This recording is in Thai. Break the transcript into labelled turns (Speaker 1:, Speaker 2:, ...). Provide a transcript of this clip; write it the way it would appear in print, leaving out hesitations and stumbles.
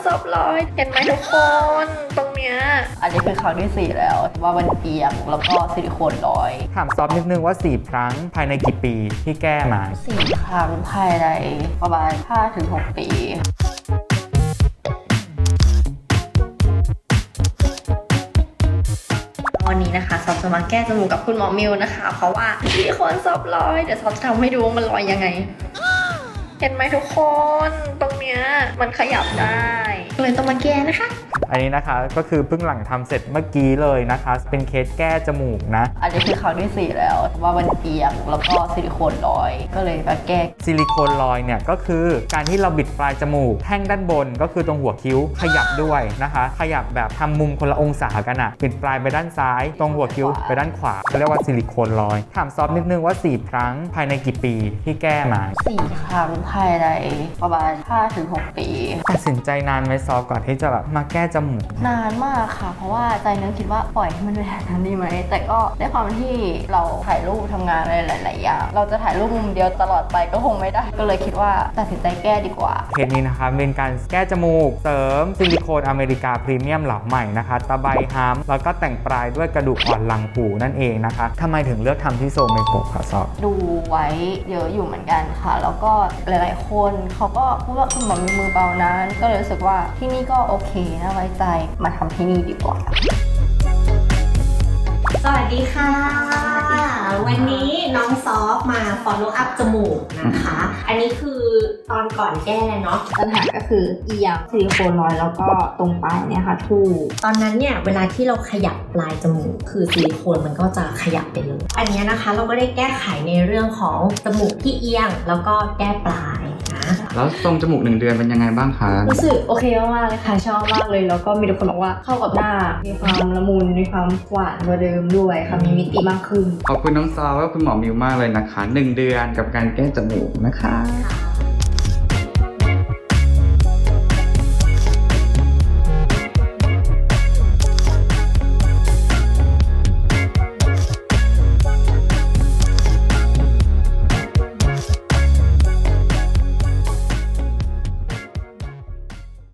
Speaker 1: ซับร้อยเห็นไหมทุกคนตรงเนี้ยอันนี้คือครั้งที่4แล้วว่ามันเอียงแล้วก็ซิลิโคนร้อย
Speaker 2: ถามซอฟนิดนึงว่า4ครั้งภายในกี่ปีที่แก้มา
Speaker 1: 4 ครั้งภายในประมาณ 5-6 ปีวันนี้นะคะซอฟจะมาแก้จมูกกับคุณหมอมิวนะคะเพราะว่าซิลิโคนซอฟร้อยเดี๋ยวซอฟจะทำให้ดูว่ามันลอยยังไงเห็นไหมทุกคนตรงเนี้ยมันขยับได้เลยต้องมาแก้นะคะ
Speaker 2: อันนี้นะคะก็คือเพิ่งหลังทำเสร็จเมื่อกี้เลยนะคะเป็นเคสแก้จมูกนะ
Speaker 1: อันนี้คือครั้งที่4แล้วว่ามันเอียงแล้วก็ซิลิโคนลอยก็เลยมาแก้
Speaker 2: ซิลิโคนลอยเนี่ยก็คือการที่เราบิดปลายจมูกแท่งด้านบนก็คือตรงหัวคิ้วขยับด้วยนะคะขยับแบบทำมุมคนละองศากันอะบิดปลายไปด้านซ้ายตรงหัวคิ้วไปด้านขวาเรียกว่าซิลิโคนลอยถามซอฟนิดนึงว่า4ครั้งภายในกี่ปีที่แก้มา
Speaker 1: 4 ครั้งภายในประมาณ 5-6 ปี
Speaker 2: ตัดสินใจนานไหมซอฟก่อนที่จะแบบมาแก้จมูก
Speaker 1: นานมากค่ะเพราะว่าใจนึงคิดว่าปล่อยให้มันเป็นแบบนั้นดีไหมแต่ก็ได้ความที่เราถ่ายรูปทำงานอะไรหลายๆอย่างเราจะถ่ายรูปมุมเดียวตลอดไปก็คงไม่ได้ก็เลยคิดว่าตัดสินใจแก้ดีกว่า
Speaker 2: เคสนี้นะคะเป็นการแก้จมูกเสริมซิลิโคนอเมริกาพรีเมียมเหลาใหม่นะคะตะไบฮัมแล้วก็แต่งปลายด้วยกระดูกอ่อนหลังหูนั่นเองนะคะทำไมถึงเลือกทำที่โซเมโกะค่ะซอฟ
Speaker 1: ดูไว้เยอะอยู่เหมือนกันค่ะแล้วก็หลายๆคนเขาก็พูดว่าคุณหมอมีมือเบานั้นก็เลยรู้สึกว่าที่นี่ก็โอเคนะไว้ใจมาทำที่นี่ดีกว่า
Speaker 3: สวัสดีค่ะวันนี้น้องซอฟมา follow up จมูกนะคะอันนี้คือตอนก่อนแก้เนาะ
Speaker 1: ปัญหาก็คือเอียงซิลิโคนลอยแล้วก็ตรงปลายเนี่ยค่ะทู่
Speaker 3: ตอนนั้นเนี่ยเวลาที่เราขยับปลายจมูกคือซิลิโคนมันก็จะขยับไปเลยอันนี้นะคะเราก็ได้แก้ไขในเรื่องของจมูกที่เอียงแล้วก็แก้ปลาย
Speaker 2: แล้วทรงจมูก1 เดือนเป็นยังไงบ้างคะ
Speaker 1: รู้สึกโอเคมากๆเลยค่ะชอบมากเลยแล้วก็มีทุกคนบอกว่าเข้ากับหน้ามีความละมุนมีความหวานกว่าเดิมด้วยค่ะมีมิติมากขึ้น
Speaker 2: ขอบคุณน้องซอและคุณหมอมิวมากเลยนะคะ1 เดือนกับการแก้จมูกนะคะ